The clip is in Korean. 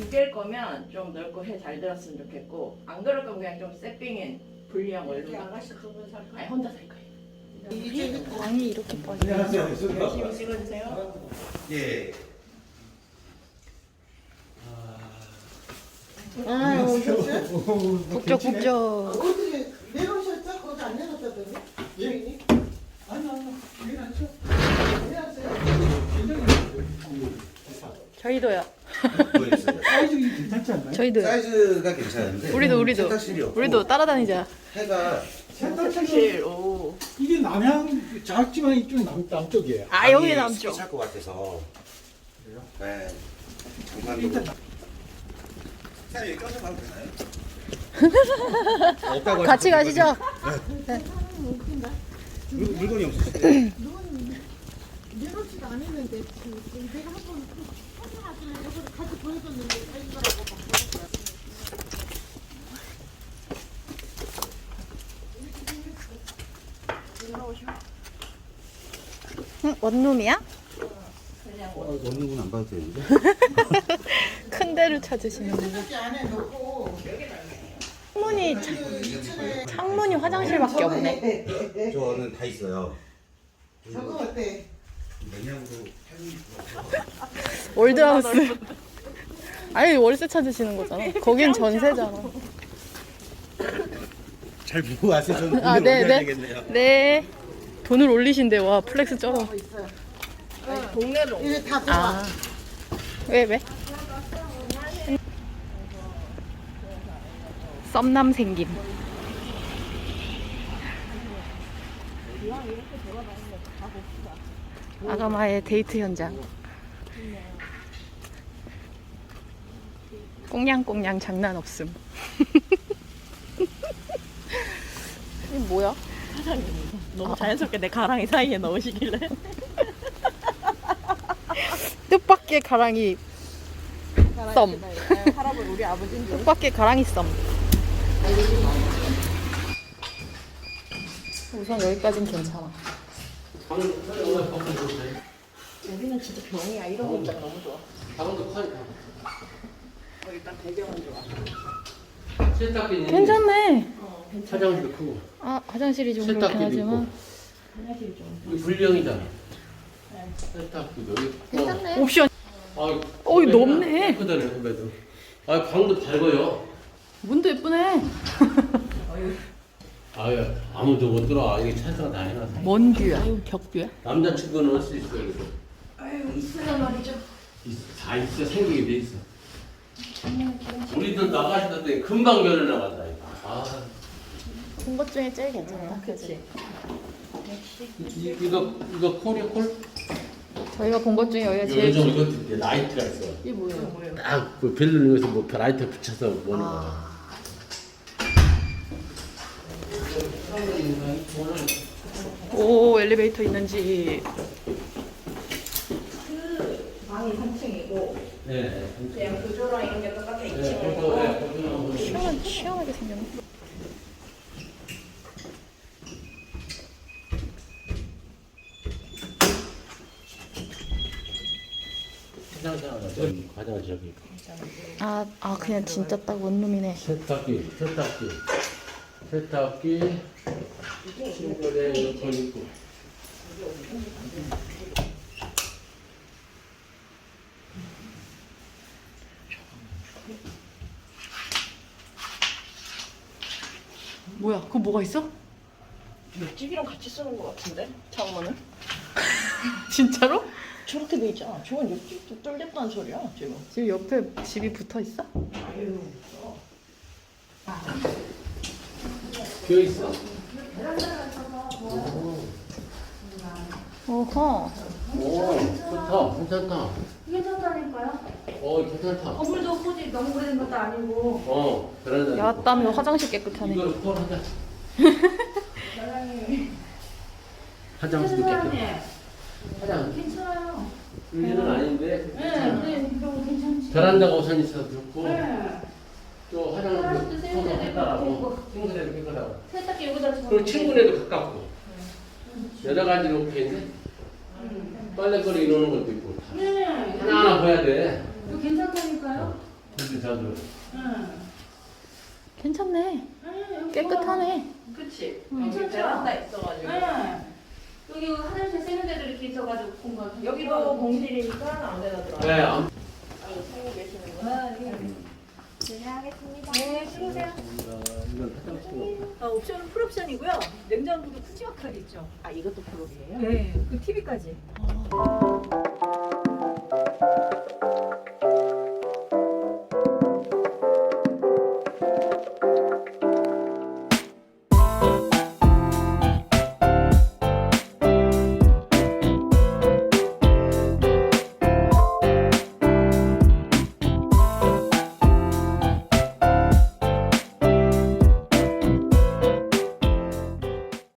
깰 거면 좀 넓고 해 잘 들었으면 좋겠고 안 그럴 거면 그냥 좀 세핑인 분리형 원룸. 아가씨 두분 살 거야? 아니 혼자 살 거예요. 이제 광이 이렇게 빠져. 열심히 찍어주세요. 예. 아, 오셨어요? 북적북적. 어떻게 내려오셨죠? 거기 안 내렸다더니? 주인이? 저희도요. 보여주세요. 사이즈가 괜찮지 않나요? 저희도요. 사이즈가 괜찮은데 우리도. 세탁실이 없고 우리도 따라다니자. 해가 세탁실 오. 이게 남양 작지만 이쪽 남쪽이에요. 아 여기 방이 남쪽. 찰것 같아서. 그래요? 네. 일단 장관도. 사장님 껴서 가도 되나요? 같이 가시죠. 물건이 없으시대요? 내놓지도 않았는데 내가 한번 찾아가지고 이거를 같이 보여줬는데 자기가라고 막 응, 원룸이야? 원룸은 안 봐도 되는데? 큰 데를 찾으시는 분. 세탁기 안에 넣고 창문이 화장실밖에 없네. 저는 다 있어요. 저거 어때? 냉장고 월드하우스. 아니 월세 찾으시는 거잖아. 거긴 전세잖아. 잘 보고 와서 저는 아, 돈을 네, 올려야 네. 되겠네요. 네. 돈을 올리신대. 와 플렉스 쩔어. 동네로. 이게 다 아. 들어와. 왜? 썸남 생김. 아가마의 데이트 현장. 꽁냥꽁냥 장난 없음. 이 뭐야? 너무 자연스럽게 내 가랑이 사이에 넣으시길래. 뜻밖의 가랑이 썸. 할아버지 우리 아버지인 줄. 뜻밖의 가랑이 썸. 우선 여기까진 괜찮아. 여기는 진짜 병이야. 이런 옷장 너무 좋아. 방도 커요. 일단 배경은 좋아. 세탁기는 괜찮네. 화장실도 크고 아 화장실이 좀 그렇긴 세탁기도 하지만 화장실이 좀. 이거 불량이잖아. 세탁기도 있고. 괜찮네. 옵션. 아, 어이, 넓네. 크다네 후배도. 아 방도 밝아요. 문도 예쁘네. 아유 아무도 못 들어. 이게 찬스가 다 해놨어. 먼 뷰야. 벽뷰야. 남자친구는 할 수 있어요. 이거. 아유 있으란 말이죠. 다 있어 생기게 돼 있어. 우리들 나가시던데 금방 결혼 나간다 이거. 아 본 것 중에 제일 괜찮다. 그치. 이거 콜이야 콜? 저희가 본 것 중에 여기가 제일 요즘 이것도 있대. 라이트가 있어. 이게 뭐예요? 딱그 벨 누르면서 뭐 라이트 붙여서 보는 거야. 오 엘리베이터 있는지. 그 방이 3층이고 네. 그냥 구조랑 이런 게 똑같아 네, 2층이고. 시원하게 생겼네. 화장실 저기. 아 그냥 진짜 딱 원룸이네. 세탁기. 침대에 에어컨 있고. 뭐야? 그거 뭐가 있어? 옆집이랑 같이 쓰는 것 같은데? 창문은? 진짜로? 저렇게 돼 있잖아. 저건 옆집도 뚫렸다는 소리야 지금. 지금 옆에 집이 붙어 있어? 아유. 비어 있어? 어허. 오, 좋다. 괜찮다. 괜찮다니까요. 괜찮다. 건물도 굳이 너무 오래된 것도 아니고. 베란다. 야 땀이 화장실 깨끗하네. 이거를 콜하자. 화장실도 사장님, 깨끗해. 화장. 괜찮아요. 여기는 아닌데. 네, 그럼 괜찮지. 베란다가 우선 있어서 좋고. 네. 또 화장실도 화장실도 세면대도 깨끗하고. 있고. 친구들도 깨끗하고. 세탁기 여기다 저. 그리고 친구네도 가깝고. 여러 가지로 오케이인데. 빨래거리 이러는 것도 있고. 네. 하나하나 봐야 돼. 이거 괜찮다니까요. 근데 자주. 괜찮네. 깨끗하네. 그치? 괜찮죠? 여기 베란다 있어가지고. 여기 화장실 쓰는 데도 이렇게 있어가지고 공간. 여기도 공실이니까 아무데나 들어가. 네. 아유, 살고 계시는구나. 네, 수고하세요. 이건 화장실. 옵션은 풀옵션이고요. 냉장고도 푸짐하게 있죠. 아, 이것도 프로이에요? 네, 그 TV까지.